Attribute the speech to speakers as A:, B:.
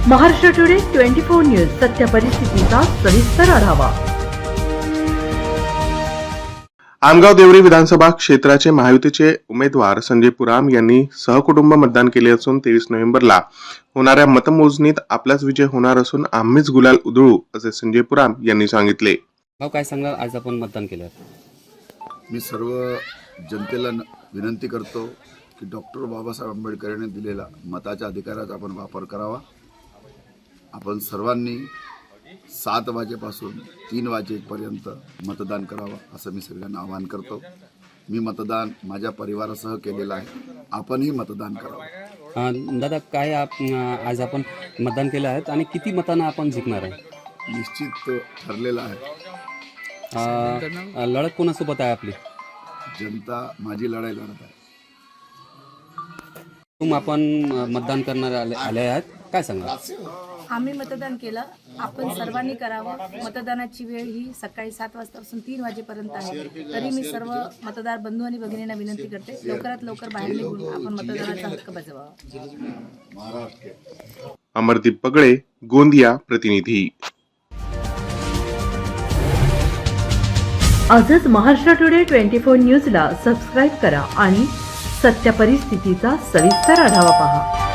A: Maharashtra today 24 news सत्य परिस्थितीचा सविस्तर आढावा।
B: आमगाव देवरी विधानसभा क्षेत्राचे महायुतीचे उमेदवार संजय पुराम यांनी सहकुटुंब मतदान केले असून 23 नोव्हेंबरला होणाऱ्या मतमोजणीत आपलाच विजय होणार असून आम्हीच गुलाल उधळू असे संजय पुराम यांनी सांगितले।
C: काय सांगणार, आज आपण मतदान केलं?
D: मी सर्व जनतेला विनंती करतो की डॉक्टर बाबासाहेब आंबेडकर यांनी दिलेला मताच्या अधिकाराचा आपण वापर करावा। आपण सर्वांनी 7 वाजेपासून 3 वाजेपर्यंत मतदान करावं असं मी सगळ्यांना आवाहन करतो। मी मतदान माझ्या परिवारासह केलेलं आहे, आपणही मतदान करावं।
C: दादा, काय आज आपण मतदान केलं आहे आणि किती मतांना आपण जिंकणार आहे?
D: निश्चित ठरलेलं आहे।
C: लढत कोणासोबत आहे आपली?
D: जनता माझी लढाई लढत आहे।
C: आपण मतदान करणार आले आहेत, काय सांगा?
E: आम्ही मतदान केलं, आपण सर्वांनी करावं। मतदानाची वेळ ही सकाळी 7 वाजतापासून 3 वाजेपर्यंत आहे। तरी मी सर्व मतदार बंधू आणि भगिनींना विनंती करते, लवकरात लवकर बाहेर निघून आपण मतदानाचा हक्क बजावावा।
B: अमरदीप पगळे, गोंदिया प्रतिनिधी।
A: आजच महाराष्ट्र टुडे 24 न्यूजला सबस्क्राईब करा आणि सत्य परिस्थितीचा सविस्तर आढावा पहा।